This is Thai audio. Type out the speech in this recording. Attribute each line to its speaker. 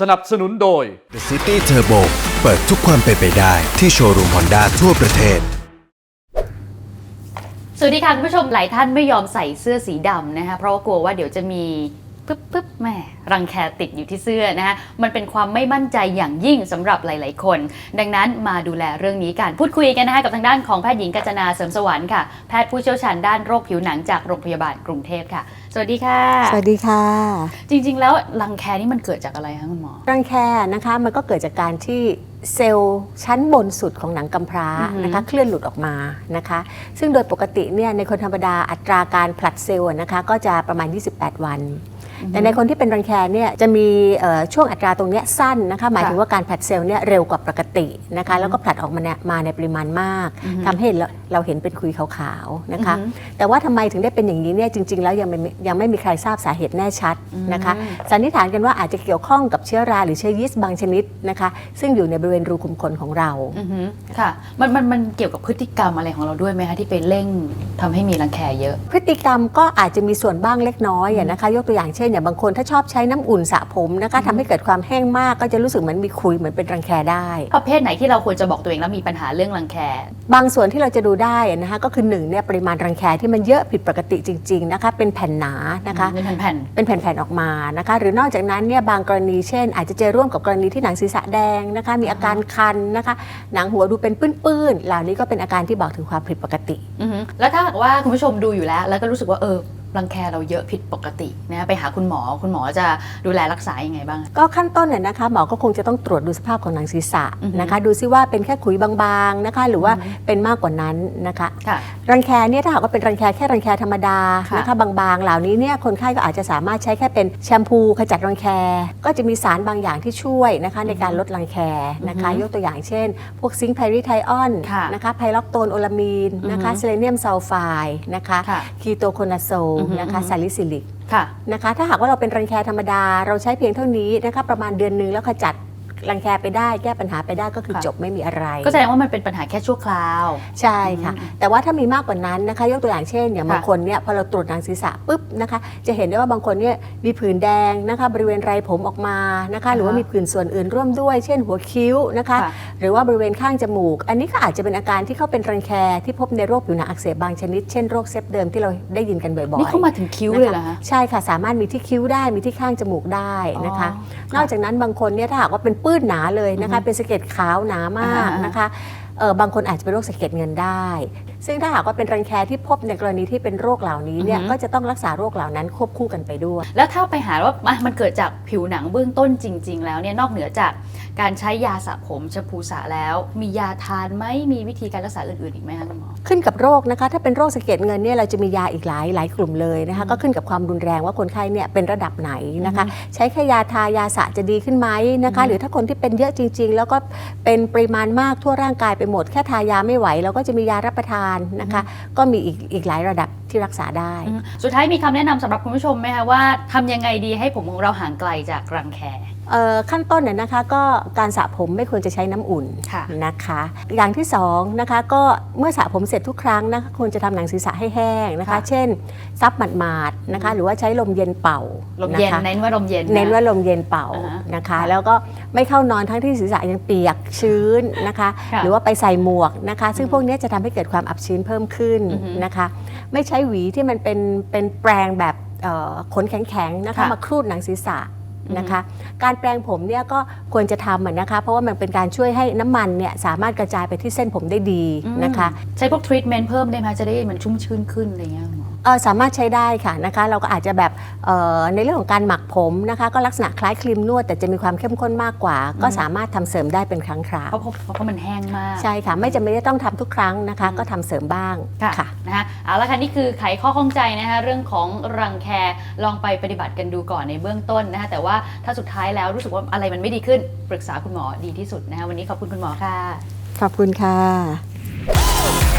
Speaker 1: สนับสนุนโดย
Speaker 2: The City Turbo เปิดทุกความเป็นไปได้ที่โชว์รูม Honda ทั่วประเทศ
Speaker 3: สวัสดีค่ะคุณผู้ชมหลายท่านไม่ยอมใส่เสื้อสีดำนะคะเพราะว่ากลัวว่าเดี๋ยวจะมีปึ๊บแม่รังแคติดอยู่ที่เสื้อนะคะมันเป็นความไม่มั่นใจอย่างยิ่งสำหรับหลายๆคนดังนั้นมาดูแลเรื่องนี้กันพูดคุยกันนะคะกับทางด้านของแพทย์หญิงกัญจนาเสริมสวรรค์ค่ะแพทย์ผู้เชี่ยวชาญด้านโรคผิวหนังจากโรงพยาบาลกรุงเทพค่ะสวัสดีค่ะ
Speaker 4: สวัสดีค่ะ
Speaker 3: จริงๆแล้วรังแคนี่มันเกิดจากอะไรคะคุณหมอ
Speaker 4: รังแคนะคะมันก็เกิดจากการที่เซลล์ชั้นบนสุดของหนังกำพร้านะคะเคลื่อนหลุดออกมานะคะซึ่งโดยปกติเนี่ยในคนธรรมดาอัตราการผลัดเซลล์นะคะก็จะประมาณ28 วันแต่ในคนที่เป็นรังแคเนี่ยจะมีช่วงอัตราตรงนี้สั้นนะคะหมายถึงว่าการผลัดเซลล์เนี่ยเร็วกว่าปกตินะคะแล้วก็ผลัดออกมาในปริมาณมากทำให้เราเห็นเป็นคุยขาวๆนะคะแต่ว่าทำไมถึงได้เป็นอย่างนี้เนี่ยจริงๆแล้วยังไม่มีใครทราบสาเหตุแน่ชัดนะคะสันนิษฐานกันว่าอาจจะเกี่ยวข้องกับเชื้อราหรือเชื้อยีสต์บางชนิดนะคะซึ่งอยู่ในบริเวณรูขุมขนของเรา
Speaker 3: ค่ะมันเกี่ยวกับพฤติกรรมอะไรของเราด้วยไหมคะที่ไปเร่งทำให้มีรังแคเยอะ
Speaker 4: พฤติกรรมก็อาจจะมีส่วนบ้างเล็กน้อยนะคะยกตัวอย่างเช่นอย่างบางคนถ้าชอบใช้น้ำอุ่นสระผมนะคะทำให้เกิดความแห้งมากก็จะรู้สึกเหมือนมีขุยเหมือนเป็นรังแคได้
Speaker 3: ประเภทไหนที่เราควรจะบอกตัวเองแล้วมีปัญหาเรื่องรังแค
Speaker 4: บางส่วนที่เราจะดูได้นะคะก็คือ1เนี่ยปริมาณรังแคที่มันเยอะผิดปกติจริงๆนะคะเป็นแผ่นหนานะคะเป็นแผ่นออกมานะคะหรือนอกจากนั้นเนี่ยบางกรณีเช่นอาจจะเจอร่วมกับกรณีที่หนังศีรษะแดงนะคะมีอาการคันนะคะหนังหัวดูเป็นปื้นๆเหล่านี้ก็เป็นอาการที่บอกถึงความผิดปกติ
Speaker 3: แล้วถ้าหากว่าคุณผู้ชมดูอยู่แล้วก็รู้สึกว่ารังแคเราเยอะผิดปกตินะไปหาคุณหมอจะดูแลรักษายังไงบ้าง
Speaker 4: ก็ขั้นต้นเนี่ยนะคะหมอก็คงจะต้องตรวจดูสภาพของหนังศีรษะนะคะดูซิว่าเป็นแค่ขุยบางๆนะคะหรือว่าเป็นมากกว่านั้นนะคะรังแคเนี่ยถ้าหากว่าเป็นรังแคแค่รังแคธรรมดานะคะบางๆเหล่านี้เนี่ยคนไข้ก็อาจจะสามารถใช้แค่เป็นแชมพูขจัดรังแคก็จะมีสารบางอย่างที่ช่วยนะคะในการลดรังแคนะคะยกตัวอย่างเช่นพวกซิงค์ไพริไทออนนะคะไพล็อกโตนโอลามีนนะคะเซเลเนียมซัลไฟด์นะคะคีโตโคนาโซลนะคะซาลิซิลิกนะคะถ้าหากว่าเราเป็นรังแคธรรมดาเราใช้เพียงเท่านี้นะคะประมาณเดือนนึงแล้วขจัดรังแคไปได้แก้ปัญหาไปได้ก็คือจบไม่มีอะไร
Speaker 3: ก็แสดงว่ามันเป็นปัญหาแค่ชั่วคราว
Speaker 4: ใช่ค่ะแต่ว่าถ้ามีมากกว่านั้นนะคะยกตัวอย่างเช่นอย่างบางคนเนี่ยพอเราตรวจหนังศีรษะปุ๊บนะคะจะเห็นได้ว่าบางคนเนี่ยมีผื่นแดงนะคะบริเวณไรผมออกมานะคะหรือว่ามีผื่นส่วนอื่นร่วมด้วยเช่นหัวคิ้วนะคะหรือว่าบริเวณข้างจมูกอันนี้ก็อาจจะเป็นอาการที่เขาเป็นรังแคที่พบในโรคผิวหนังอักเสบบางชนิดเช่นโรคเซปเดิมที่เราได้ยินกันบ่อยๆ
Speaker 3: นี่เข้ามาถึงคิ้วเลยเหรอคะ
Speaker 4: ใช่ค่ะสามารถมีที่คิ้วได้มีที่ข้างจมูกได้นะคะนอกจากนั้นบางคนเนี่ยถ้าหากว่าเป็นปื้นหนาเลยเป็นสะเก็ดขาวหนามากนะคะบางคนอาจจะเป็นโรคสะเก็ดเงินได้ซึ่งถ้าหากว่าเป็นรังแคที่พบในกรณีที่เป็นโรคเหล่านี้เนี่ยก็จะต้องรักษาโรคเหล่านั้นควบคู่กันไปด้วย
Speaker 3: แล้วถ้าไปหาว่ามันเกิดจากผิวหนังเบื้องต้นจริงๆแล้วเนี่ยนอกเหนือจากการใช้ยาสระผมแชมพูสระแล้วมียาทานไหมมีวิธีการรักษาอื่นๆอีกไหมคะคุณหมอ
Speaker 4: ขึ้นกับโรคนะคะถ้าเป็นโรคสะเก็ดเงินเนี่ยเราจะมียาอีกหลายกลุ่มเลยนะคะก็ขึ้นกับความรุนแรงว่าคนไข้เนี่ยเป็นระดับไหนนะคะใช้แค่ยาทายาสระจะดีขึ้นไหมนะคะหรือถ้าคนที่เป็นเยอะจริงๆแล้วก็เป็นปริมาณมากทั่วร่างกายไปหมดแค่ทายาไม่ไหวเราก็จะมียารับประทานนะคะก็มีอีกหลายระดับที่รักษาได้
Speaker 3: สุดท้ายมีคำแนะนำสำหรับคุณผู้ชมไหมคะว่าทำยังไงดีให้ผมของเราห่างไกลจากรังแค
Speaker 4: ขั้นต้นเนี่ยนะคะก็การสระผมไม่ควรจะใช้น้ำอุ่นนะคะอย่างที่2นะคะก็เมื่อสระผมเสร็จทุกครั้งนะคะควรจะทำหนังศีรษะให้แห้งนะคะเช่นซับหมาดๆนะคะหรือว่าใช้ลมเย็นเป่า
Speaker 3: ลมเย็นเน้นว่าลมเย็น
Speaker 4: เป่านะคะแล้วก็ไม่เข้านอนทั้งที่ศีรษะยังเปียกชื้นนะคะหรือว่าไปใส่หมวกนะคะซึ่งพวกนี้จะทำให้เกิดความอับชื้นเพิ่มขึ้นนะคะไม่ใช้หวีที่มันเป็นแปรงแบบขนแข็งๆนะคะมาครูดหนังศีรษะนะคะการแปรงผมเนี่ยก็ควรจะทำนะคะเพราะว่ามันเป็นการช่วยให้น้ำมันเนี่ยสามารถกระจายไปที่เส้นผมได้ดีนะคะ
Speaker 3: ใช้พวกทรีทเมนต์เพิ่มได้ไหมจะได้มันชุ่มชื้นขึ้นอะไรเงี้ย
Speaker 4: สามารถใช้ได้ค่ะนะคะเราก็อาจจะแบบในเรื่องของการหมักผมนะคะก็ลักษณะคล้ายครีมนวดแต่จะมีความเข้มข้นมากกว่าก็สามารถทำเสริมได้เป็นครั้งคราว
Speaker 3: เพราะมันแห้งมาก
Speaker 4: ใช่ค่ะไม่จำเป็นจะต้องทำทุกครั้งนะคะก็ทำเสริมบ้าง
Speaker 3: ค่ะนะคะเอาละค่ะนี่คือไขข้อข้องใจนะคะเรื่องของรังแคลองไปปฏิบัติกันดูก่อนในเบื้องต้นนะคะแต่ว่าถ้าสุดท้ายแล้วรู้สึกว่าอะไรมันไม่ดีขึ้นปรึกษาคุณหมอดีที่สุดนะคะวันนี้ขอบคุณคุณหมอค่ะ
Speaker 4: ขอบคุณค่ะ